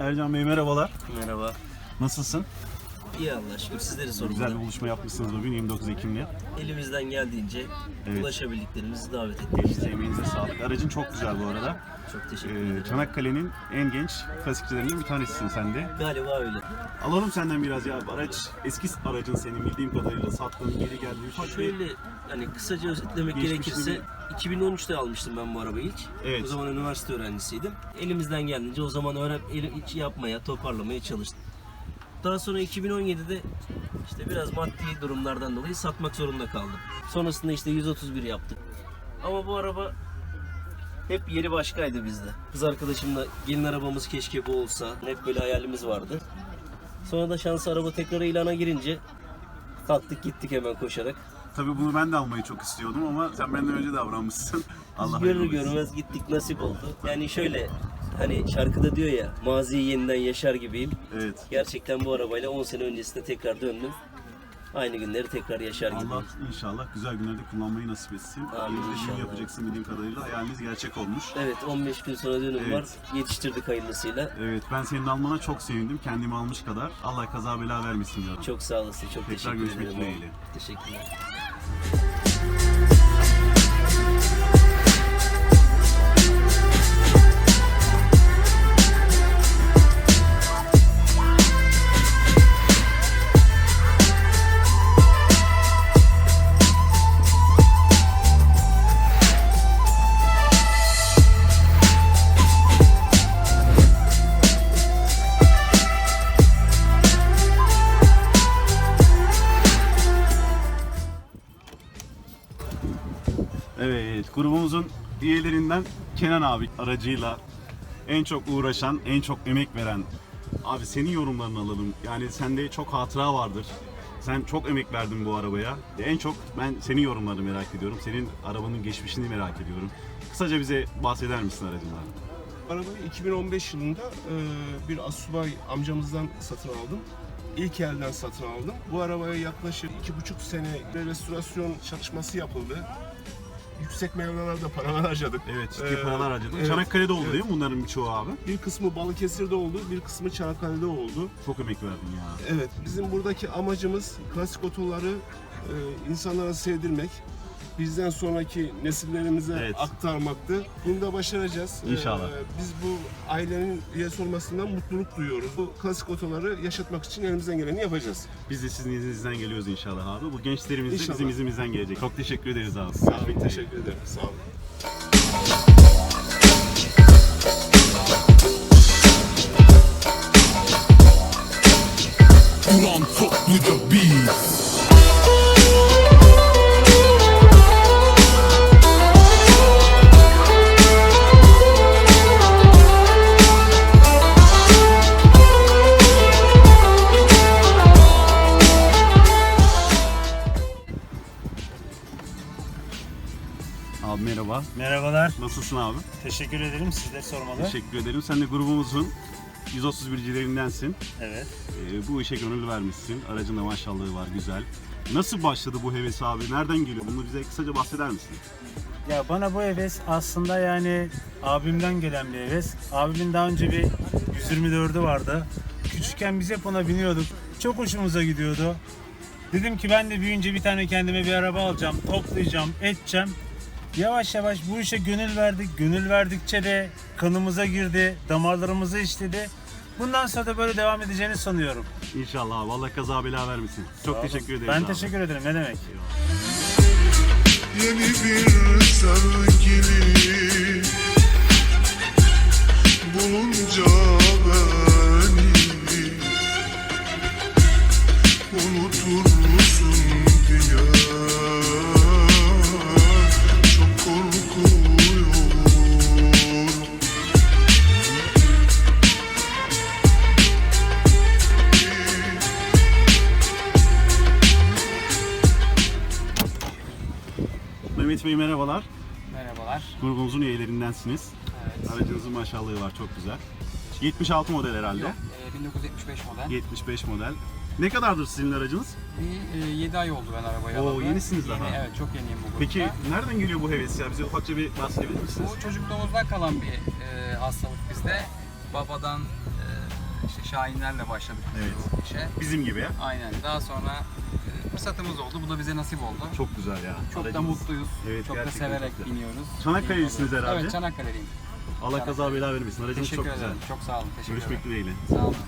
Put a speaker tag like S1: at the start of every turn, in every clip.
S1: Ercan Bey merhabalar.
S2: Merhaba.
S1: Nasılsın?
S2: İyi Allah'a şükür. Sizleri sormalı.
S1: Güzel bir buluşma yapmışsınız bugün 29 Ekim'le.
S2: Elimizden geldiğince
S1: Evet.
S2: ulaşabildiklerimizi davet ettik.
S1: Size emeğinize sağlık. Aracın çok güzel bu arada.
S2: Çok teşekkür ederim.
S1: Çanakkale'nin en genç klasikçilerinden bir tanesisin sen de.
S2: Galiba öyle.
S1: Alalım senden biraz ya. Araç eski aracın senin bildiğim kadarıyla sattığın geri geldi. Ufak bir...
S2: Şöyle hani kısaca özetlemek
S1: Geçmişini
S2: gerekirse 2013'te almıştım ben bu arabayı ilk.
S1: Evet.
S2: O zaman üniversite öğrencisiydim. Elimizden geldiğince o zaman yapmaya, toparlamaya çalıştım. Daha sonra 2017'de işte biraz maddi durumlardan dolayı satmak zorunda kaldım. Sonrasında işte 131 yaptık. Ama bu araba hep yeri başkaydı bizde. Kız arkadaşımla gelin arabamız keşke bu olsa. Hep böyle hayalimiz vardı. Sonra da şans araba tekrar ilana girince kalktık gittik hemen koşarak.
S1: Tabii bunu ben de almayı çok istiyordum ama sen benden önce davranmışsın. Allah
S2: Görür
S1: hayırlı olsun.
S2: görmez gittik, nasip oldu. Yani şöyle hani şarkıda diyor ya, maziyi yeniden yaşar gibiyim.
S1: Evet.
S2: Gerçekten bu arabayla 10 sene öncesinde tekrar döndüm. Aynı günleri tekrar yaşar gibiyim.
S1: Allah inşallah güzel günlerde kullanmayı nasip etsin.
S2: Amin
S1: Düğün
S2: inşallah.
S1: yapacaksın bildiğim kadarıyla. Hayaliniz gerçek olmuş.
S2: Evet, 15 gün sonra dönüm
S1: Evet.
S2: var. Yetiştirdik hayırlısıyla.
S1: Evet, ben senin almana çok sevindim. Kendimi almış kadar. Allah kaza bela vermesin diyorum.
S2: Çok sağ olasın, çok
S1: Tekrar
S2: teşekkür
S1: görüşmek
S2: ederim.
S1: dileğiyle.
S2: Teşekkürler.
S1: Evet, grubumuzun üyelerinden Kenan abi aracıyla en çok uğraşan, en çok emek veren. Abi senin yorumlarını alalım. Yani sende çok hatıra vardır. Sen çok emek verdin bu arabaya. En çok ben senin yorumlarını merak ediyorum. Senin arabanın geçmişini merak ediyorum. Kısaca bize bahseder misin aracından?
S3: Arabayı 2015 yılında bir asubay amcamızdan satın aldım. İlk elden satın aldım. Bu arabaya yaklaşık 2,5 sene restorasyon çalışması yapıldı. Yüksek mevlalarda paralar harcadık.
S1: Evet, ciddi paralar harcadın.
S3: evet,
S1: Çanakkale'de oldu
S3: evet.
S1: değil mi bunların birçoğu abi?
S3: Bir kısmı Balıkesir'de oldu, bir kısmı Çanakkale'de oldu.
S1: Çok emek verdin ya.
S3: Evet, bizim buradaki amacımız klasik otoları insanlara sevdirmek. Bizden sonraki nesillerimize
S1: Evet.
S3: aktarmaktı. Bunu da başaracağız.
S1: İnşallah.
S3: Biz bu ailenin üyesi olmasından mutluluk duyuyoruz. Bu klasik otoları yaşatmak için elimizden geleni yapacağız.
S1: Biz de sizin izninizden geliyoruz inşallah abi. Bu gençlerimiz de
S3: İnşallah.
S1: bizim izimizden gelecek. Çok teşekkür ederiz abi.
S3: Sağ olun, teşekkür ederim. Sağ olun.
S4: You don't fuck with the beat.
S1: Abi merhaba.
S5: Merhabalar,
S1: Nasılsın abi?
S5: teşekkür ederim. Sizleri sormalı.
S1: Teşekkür ederim. Sen de grubumuzun 131'cilerindensin.
S5: Evet.
S1: Bu işe gönül vermişsin. Aracın da maşallahı var, güzel. Nasıl başladı bu heves abi? Nereden geliyor? Bunu bize kısaca bahseder misin?
S5: Ya bana bu heves aslında yani abimden gelen bir heves. Abimin daha önce bir 124'ü vardı. Küçükken biz hep ona biniyorduk. Çok hoşumuza gidiyordu. Dedim ki ben de büyüyünce bir tane kendime bir araba alacağım, toplayacağım, edeceğim. Yavaş yavaş bu işe gönül verdik. Gönül verdikçe de kanımıza girdi, damarlarımıza işledi. Bundan sonra da böyle devam edeceğini sanıyorum.
S1: İnşallah abi. Allah kaza bela vermesin. Çok teşekkür ederiz
S5: Ben
S1: abi.
S5: teşekkür ederim. Ne demek?
S4: Yeni bir sevgili bulunca beni unutur musun diye çok korkuyorum.
S1: Mehmet Bey merhabalar.
S6: Merhabalar.
S1: Grubumuzun üyelerindensiniz.
S6: Evet.
S1: Aracınızın maşallahı var, çok güzel. 76 model herhalde.
S6: Yok, 1975 model.
S1: 75 model. Ne kadardır sizin aracınız?
S6: Bir 7 ay oldu ben arabayı
S1: Oo,
S6: alalı.
S1: yenisiniz
S6: Yeni,
S1: daha.
S6: Evet, çok yeniyim bu grupta.
S1: Peki nereden geliyor bu heves ya? Bize ufakça bir bahsedebilir misiniz?
S6: Bu çocukluğumuzdan kalan bir hastalık bizde. Babadan işte Şahinlerle başladık
S1: Evet.
S6: bu işe.
S1: Bizim gibi.
S6: Aynen. Daha sonra fırsatımız oldu. Bu da bize nasip oldu.
S1: Çok güzel ya.
S6: Çok da
S1: Aracınız-
S6: mutluyuz.
S1: Evet,
S6: çok da
S1: gerçekten
S6: severek
S1: çok güzel.
S6: biniyoruz.
S1: Çanakkale'lisiniz herhalde.
S6: Evet, Çanakkale'liyim.
S1: Allah kaza bela vermesin. Aracınız
S6: Teşekkür
S1: çok güzel.
S6: ederim. Çok sağ olun. Teşekkür
S1: Görüşmek
S6: ederim.
S1: dileğiyle.
S6: Sağ olun.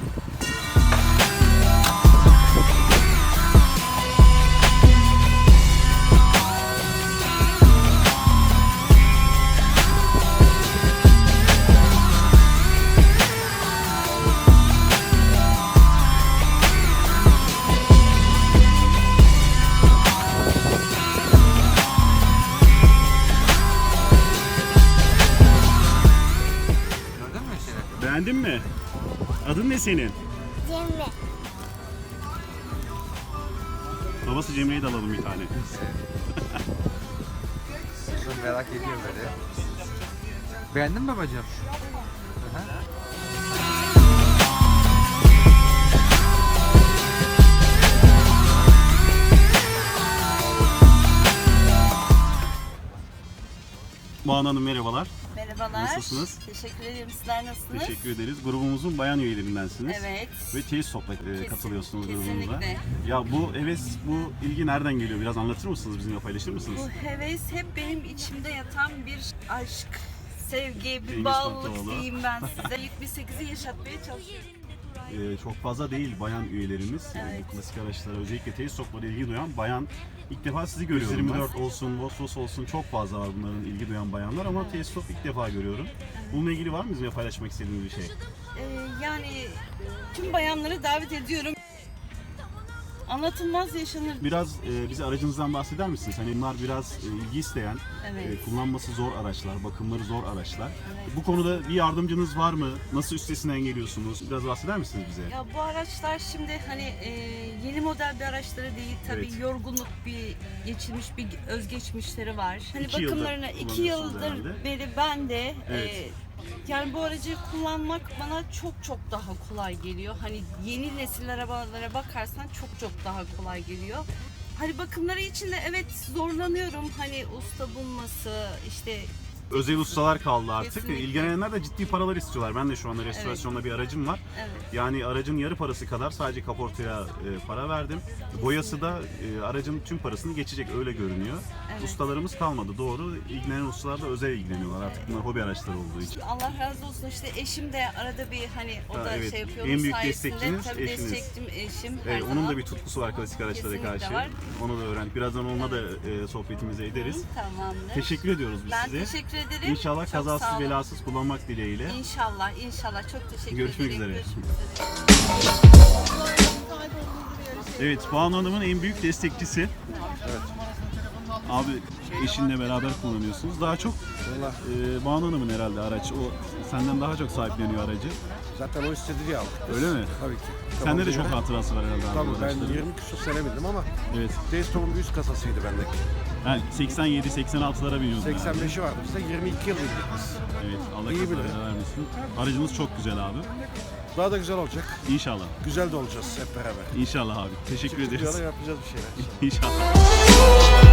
S6: Gördün mü Şeref?
S1: Beğendin mi? Adın ne senin?
S7: Cemre.
S1: Babası Cemre'yi de alalım bir tane.
S6: Merak ediyorum böyle. Beğendin mi babacığım? Hı hı.
S1: Banu Hanım merhabalar.
S8: Merhabalar.
S1: Nasılsınız?
S8: Teşekkür ederim. Sizler nasılsınız?
S1: Teşekkür ederiz. Grubumuzun bayan üyelerindensiniz.
S8: Evet.
S1: Ve teyit sohbet katılıyorsunuz grubumuza.
S8: Kesinlikle.
S1: Ya bu heves, bu ilgi nereden geliyor? Biraz anlatır mısınız? Bizimle paylaşır mısınız?
S8: Bu heves hep benim içimde yatan bir aşk, sevgi, bir
S1: Cengiz
S8: bağlılık
S1: Kurtoğlu.
S8: diyeyim ben size. 78'i yaşatmaya çalışıyorum.
S1: Çok fazla değil bayan üyelerimiz.
S8: Evet.
S1: Bu klasik araçlara özellikle teyit soklara ilgi duyan bayan. İlk defa sizi görüyorum. 24 olsun, Vosvos olsun çok fazla var bunların ilgi duyan bayanlar ama teyit sok ilk defa görüyorum. Bununla ilgili var mı bizimle paylaşmak istediğiniz bir şey?
S8: Yani tüm bayanları davet ediyorum. Anlatılmaz yaşanır.
S1: Biraz bize aracınızdan bahseder misiniz? Hani bunlar biraz ilgi isteyen,
S8: Evet.
S1: kullanması zor araçlar, bakımları zor araçlar.
S8: Evet.
S1: Bu konuda bir yardımcınız var mı? Nasıl üstesinden geliyorsunuz? Biraz bahseder misiniz bize?
S8: Ya bu araçlar şimdi hani yeni model bir araçları değil tabii
S1: Evet.
S8: yorgunluk bir geçirmiş bir özgeçmişleri var. Hani
S1: 2 yıldır
S8: bakımlarına 2
S1: kullanıyorsunuz
S8: yıldır
S1: herhalde.
S8: beri ben de
S1: Evet.
S8: yani bu aracı kullanmak bana çok daha kolay geliyor. Hani yeni nesil arabalara bakarsan çok daha kolay geliyor. Hani bakımları için de evet zorlanıyorum. Hani usta bulması işte
S1: Özel ustalar kaldı artık.
S8: Kesinlikle.
S1: İlgilenenler de ciddi paralar istiyorlar. Ben de şu anda restorasyonda bir aracım var.
S8: evet.
S1: Yani aracın yarı parası kadar sadece kaportaya para verdim. Boyası da aracın tüm parasını geçecek öyle görünüyor.
S8: Evet.
S1: Ustalarımız kalmadı doğru. İlgilenen ustalar da özel ilgileniyorlar artık bunlar hobi araçları olduğu için.
S8: Allah razı olsun işte eşim de arada bir hani o
S1: Ha,
S8: da
S1: evet.
S8: şey yapıyor.
S1: En
S8: Onun
S1: büyük
S8: sayesinde
S1: destekçiniz
S8: tabii
S1: eşiniz.
S8: destekçim eşim her
S1: Evet,
S8: zaman.
S1: onun da bir tutkusu var klasik araçlara
S8: Kesinlikle
S1: karşı.
S8: var.
S1: Onu da öğrendik. Birazdan onunla da sohbetimizi ederiz.
S8: Tamamdır.
S1: Teşekkür ediyoruz biz
S8: Ben
S1: size.
S8: teşekkür ederim.
S1: İnşallah
S8: Çok sağ
S1: kazasız
S8: olun.
S1: belasız kullanmak dileğiyle.
S8: İnşallah. Çok teşekkür
S1: Görüşmek
S8: ederim.
S1: üzere.
S8: Görüşmek üzere.
S1: Evet, Banu Hanım'ın en büyük destekçisi. Evet. Abi eşinle beraber kullanıyorsunuz. Daha çok Banu Hanım'ın herhalde araç. O senden daha çok sahipleniyor aracı.
S9: Zaten o istedi diye aldık.
S1: Öyle mi?
S9: Tabii ki.
S1: Sende de
S9: Tamam,
S1: çok hatırası var herhalde abi.
S9: Tabii
S1: bu
S9: ben
S1: araçların.
S9: 20 küsur sene bindim ama
S1: Evet.
S9: Daystorm'un bir üst kasasıydı bendeki.
S1: Yani 87-86'lara biniyordun herhalde.
S9: 85'i vardı bizde 22 yıl bindik biz.
S1: Evet. Allah
S9: İyi
S1: kaza
S9: bile.
S1: bela vermesin. Aracınız çok güzel abi.
S9: Daha da güzel olacak.
S1: İnşallah.
S9: Güzel de olacağız hep beraber.
S1: İnşallah abi. Teşekkür ederiz.
S9: Çıktıkça da yapacağız bir şeyler.
S1: İnşallah.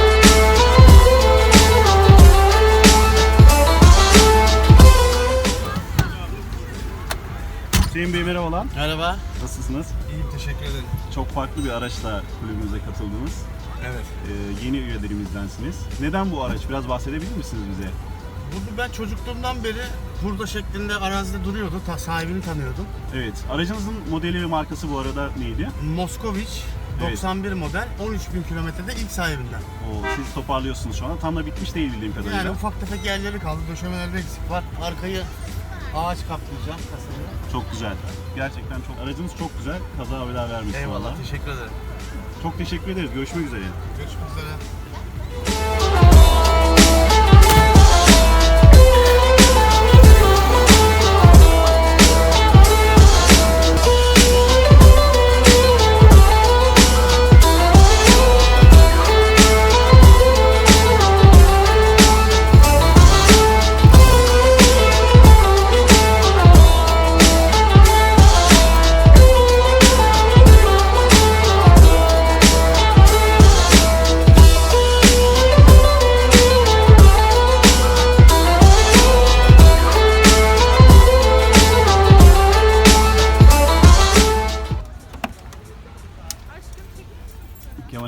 S1: Hüseyin Bey merhabalar.
S10: Merhaba.
S1: Nasılsınız?
S10: İyiyim, teşekkür ederim.
S1: Çok farklı bir araçla kulübümüze katıldınız.
S10: Evet.
S1: Yeni üyelerimіздensiniz. Neden bu araç? Biraz bahsedebilir misiniz bize?
S10: Burada ben çocukluğumdan beri hurda şeklinde arazide duruyordu. Sahibini tanıyordum.
S1: Evet. Aracınızın modeli ve markası bu arada neydi?
S10: Moskoviç
S1: Evet.
S10: 91 model 13.000 kilometrede ilk sahibinden.
S1: Siz toparlıyorsunuz şu anda. Tam da bitmiş değil bildiğim kadarıyla.
S10: Yani ufak tefek yerleri kaldı. Döşemelerde eksik var. Arkayı ağaç kaplayacağım kasayı.
S1: Çok güzel. Gerçekten çok. Aracınız çok güzel. Kaza bela vermesin
S10: Eyvallah,
S1: valla.
S10: teşekkür ederim.
S1: Çok teşekkür ederiz. Görüşmek üzere.
S10: Görüşmek üzere.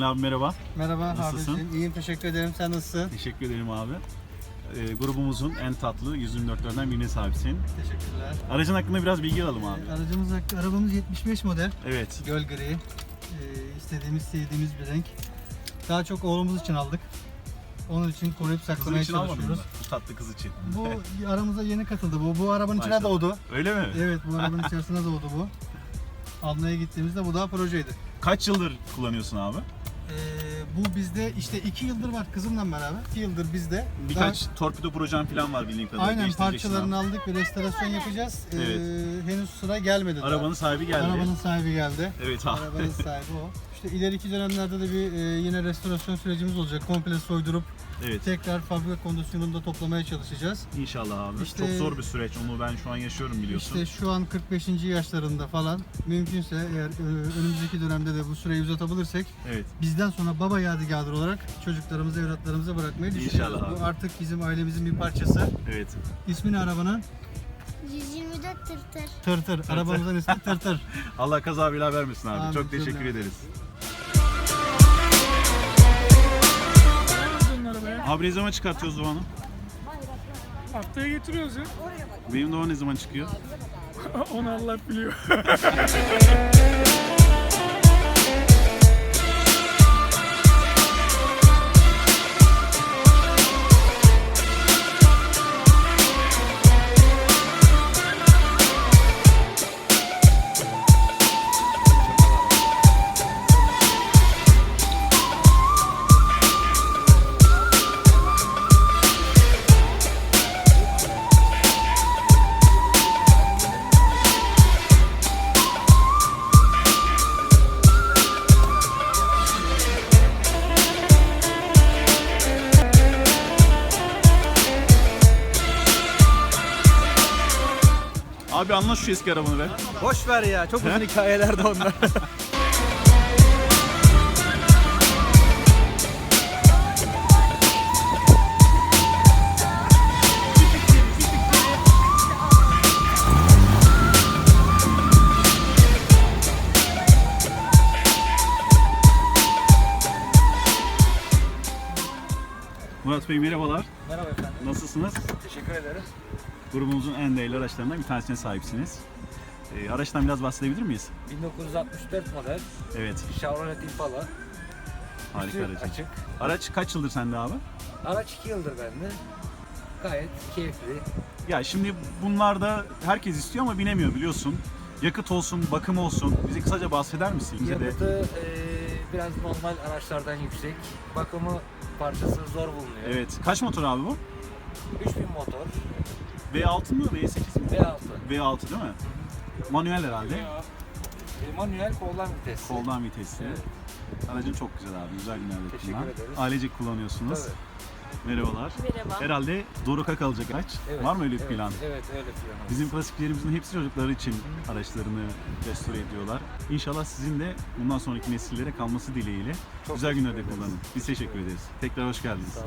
S1: İsmail abi merhaba.
S10: Merhaba
S1: Nasılsın?
S10: abicim. İyiyim, teşekkür ederim. Sen nasılsın?
S1: Teşekkür ederim abi. Grubumuzun en tatlı 124'lerden birine sahipsin.
S10: Teşekkürler.
S1: Aracın hakkında biraz bilgi alalım abi.
S10: Arabamız 75 model.
S1: Evet.
S10: Göl gri. İstediğimiz, sevdiğimiz bir renk. Daha çok oğlumuz için aldık. Onun için koruyup
S1: Kızın
S10: saklamaya
S1: için almadın mı?
S10: çalışıyoruz.
S1: Bu tatlı kız için.
S10: Bu aramıza yeni katıldı. Bu arabanın içine
S1: Maşallah.
S10: doğdu.
S1: Öyle mi?
S10: Evet, bu arabanın içerisine doğdu bu. Almaya gittiğimizde bu daha projeydi.
S1: Kaç yıldır kullanıyorsun abi?
S10: Bu bizde işte 2 yıldır var kızımla beraber. 2 yıldır bizde.
S1: Birkaç torpido projen falan var bildiğim kadarıyla.
S10: Aynen,
S1: Değiştireceksin
S10: parçalarını
S1: abi.
S10: aldık, bir restorasyon yapacağız.
S1: Evet.
S10: Henüz sıra gelmedi daha.
S1: Arabanın sahibi geldi.
S10: Arabanın sahibi geldi.
S1: Evet abi.
S10: Arabanın sahibi o. İşte ileriki dönemlerde de bir yine restorasyon sürecimiz olacak. Komple soydurup
S1: Evet.
S10: tekrar fabrika kondisyonunda toplamaya çalışacağız.
S1: İnşallah abi.
S10: İşte-
S1: Çok zor bir süreç. Onu ben şu an yaşıyorum biliyorsun.
S10: İşte şu an 45. yaşlarında falan, mümkünse eğer önümüzdeki dönemde de bu süreyi uzatabilirsek
S1: Evet.
S10: bizden sonra baba yadigarı olarak çocuklarımıza, evlatlarımıza bırakmayı düşünüyoruz.
S1: İnşallah abi.
S10: Bu artık bizim ailemizin bir parçası.
S1: Evet.
S10: İsmi ne arabanın?
S7: 124 tırtır.
S10: Tırtır. Arabamızın ismi Tırtır.
S1: Allah kaza bela vermesin abi.
S10: Amin,
S1: Çok teşekkür
S10: cümle.
S1: ederiz. Abi ne zaman çıkartıyoruz Doğan'ı?
S11: Haftaya getiriyoruz ya.
S1: Benim Doğan ne zaman çıkıyor?
S11: Onu Allah biliyor.
S1: Abi anla şu eski arabanı be.
S9: Boş ver ya. Çok uzun hikayeler de onlar.
S1: Murat Bey merhabalar.
S9: Merhaba efendim.
S1: Nasılsınız?
S9: Teşekkür ederim.
S1: Grubumuzun en değerli araçlarından bir tanesine sahipsiniz. Araçtan biraz bahsedebilir miyiz?
S9: 1964 model
S1: Evet.
S9: Chevrolet Impala.
S1: Harika
S9: Üstü
S1: aracı.
S9: açık.
S1: Araç kaç yıldır sende abi?
S9: Araç 2 yıldır bende. Gayet keyifli.
S1: Ya şimdi bunlarda herkes istiyor ama binemiyor biliyorsun. Yakıt olsun, bakım olsun. Bize kısaca bahseder misin? Bize de
S9: Yakıtı biraz normal araçlardan yüksek. Bakımı parçası zor bulunuyor.
S1: Evet. Kaç motor abi bu?
S9: 3000 motor.
S1: V6 mı? V8 mi?
S9: V6.
S1: V6 değil mi? Manuel herhalde.
S9: Manuel koldan vites.
S1: Koldan vitesli.
S9: Evet.
S1: Aracın çok güzel abi. Güzel günlerde
S9: Teşekkür
S1: kullan.
S9: ederiz.
S1: Ailecek kullanıyorsunuz.
S9: Tabii.
S1: Merhabalar.
S8: Merhaba.
S1: Herhalde Doruk'a kalacak araç.
S9: Evet,
S1: Var mı öyle bir
S9: evet,
S1: plan?
S9: Evet, öyle plan.
S1: Bizim klasiklerimizin hepsi çocukları için araçlarını restore ediyorlar. İnşallah sizin de bundan sonraki nesillere kalması dileğiyle
S9: Çok
S1: güzel günlerde
S9: teşekkür ederiz.
S1: kullanın. Biz teşekkür ederiz. Tekrar hoş geldiniz.
S9: Sağ olun.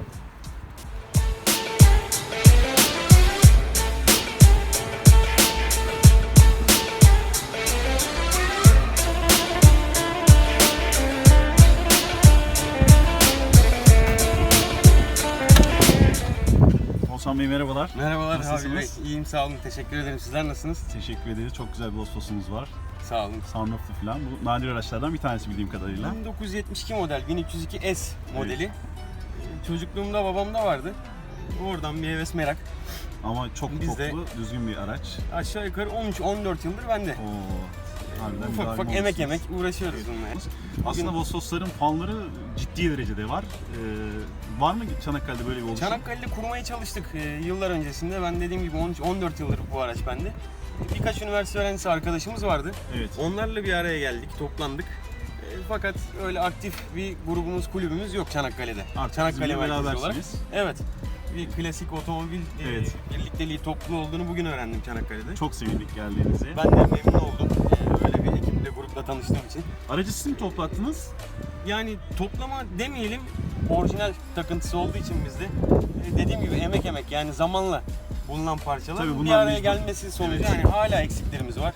S1: Oğuzhan Bey merhabalar.
S12: Merhabalar
S1: Nasılsınız?
S12: Habil Bey. İyiyim, sağ olun. Teşekkür ederim. Sizler nasılsınız?
S1: Teşekkür ederiz. Çok güzel bir Vosfos'umuz var.
S12: Sağ olun.
S1: Sunroof'lu falan. Bu nadir araçlardan bir tanesi bildiğim kadarıyla.
S12: 1972 model 1302S modeli. Çocukluğumda babamda vardı. Oradan bir heves merak.
S1: Ama çok
S12: Biz de-
S1: toplu, düzgün bir araç.
S12: Aşağı yukarı 13-14 yıldır bende.
S1: Oo. Harbiden
S12: Ufak ufak
S1: müdahale
S12: emek
S1: olmuşsunuz.
S12: uğraşıyoruz bununla.
S1: Aslında
S12: Bugün
S1: Vosfos'ların fanları ciddi derecede var. Var mı Çanakkale'de böyle bir oluşum?
S12: Çanakkale'de kurmaya çalıştık yıllar öncesinde. Ben dediğim gibi 13-14 yıldır bu araç bende. Birkaç üniversite öğrencisi arkadaşımız vardı.
S1: Evet.
S12: Onlarla bir araya geldik, toplandık. Fakat öyle aktif bir grubumuz, kulübümüz yok Çanakkale'de.
S1: Artık
S12: Çanakkale
S1: bizimle
S12: merkezli olarak.
S1: berabersiniz.
S12: Evet. Bir klasik otomobil
S1: Evet.
S12: birlikteliği topluluğu olduğunu bugün öğrendim Çanakkale'de.
S1: Çok sevindik geldiğinize.
S12: Ben de memnun oldum. Öyle bir ekiple, grupla tanıştığım için.
S1: Aracı siz mi toplattınız?
S12: Yani toplama demeyelim, orijinal takıntısı olduğu için bizde. Dediğim gibi emek yani zamanla bulunan parçalar.
S1: Tabii
S12: bir
S1: bunlar
S12: araya
S1: mecbur.
S12: gelmesi sonucu
S1: Evet.
S12: yani hala eksiklerimiz var.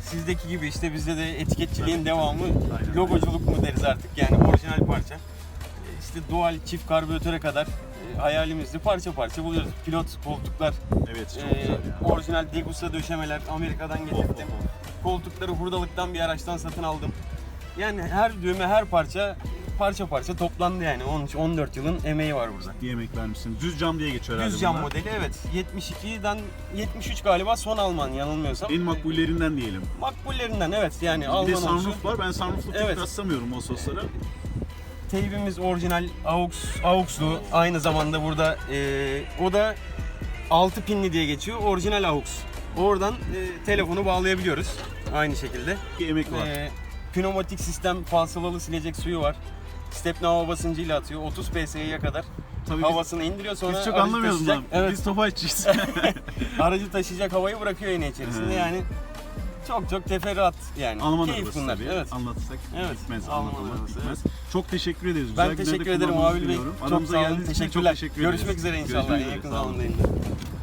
S12: sizdeki gibi işte bizde de etiketçiliğin devamı,
S1: Aynen.
S12: logoculuk mu deriz artık yani orijinal parça. İşte dual çift karbüratöre kadar hayalimizde parça parça buluyoruz. Pilot koltuklar,
S1: Evet çok güzel ya.
S12: orijinal Degussa döşemeler Amerika'dan getirdim. Koltukları hurdalıktan bir araçtan satın aldım. Yani her düğme, her parça parça toplandı yani. Onun için 14 yılın emeği var burada.
S1: Bir yemek vermişsin. Düz cam diye geçiyor herhalde
S12: Düz cam
S1: bunlar.
S12: modeli, evet. 72'den 73 galiba son Alman yanılmıyorsam.
S1: En makbullerinden diyelim.
S12: Makbullerinden, evet yani
S1: Bir de
S12: Alman olsun.
S1: sunroof var. Ben sunroof'lu pek
S12: Evet.
S1: rastlamıyorum o soslara.
S12: Teybimiz orijinal AUX'lu. Aynı zamanda burada o da 6 pinli diye geçiyor. Orijinal AUX. Oradan telefonu bağlayabiliyoruz. Aynı şekilde.
S1: Bir emek var.
S12: Pneumatik sistem, falsalalı silecek suyu var. Stepne hava basıncıyla atıyor. 30 psi'ye kadar
S1: Tabii
S12: havasını indiriyor, sonra
S1: biz çok
S12: aracı
S1: anlamıyoruz
S12: taşıyacak-
S1: bundan.
S12: Evet.
S1: Biz tofaşçıyız.
S12: Aracı taşıyacak havayı bırakıyor yine içerisinde. Yani çok teferruat yani.
S1: Alman
S12: Keyif
S1: arabası
S12: bunlar.
S1: tabii.
S12: Evet.
S1: Anlatırsak
S12: Evet,
S1: bitmez.
S12: Alman
S1: Anlatılmak
S12: arabası,
S1: bitmez. Çok teşekkür ederiz.
S12: Ben
S1: Güzel
S12: teşekkür
S1: günlerde
S12: ederim
S1: kullanmanızı
S12: Abil Bey.
S1: diliyorum.
S12: Çok
S1: Aramıza
S12: sağ olun.
S1: geldiğiniz için çok
S12: Teşekkürler.
S1: teşekkür ederiz.
S12: Görüşmek üzere inşallah.
S1: Görüşmek
S12: En
S1: üzere,
S12: yakın
S1: sağ olun.
S12: zamanda.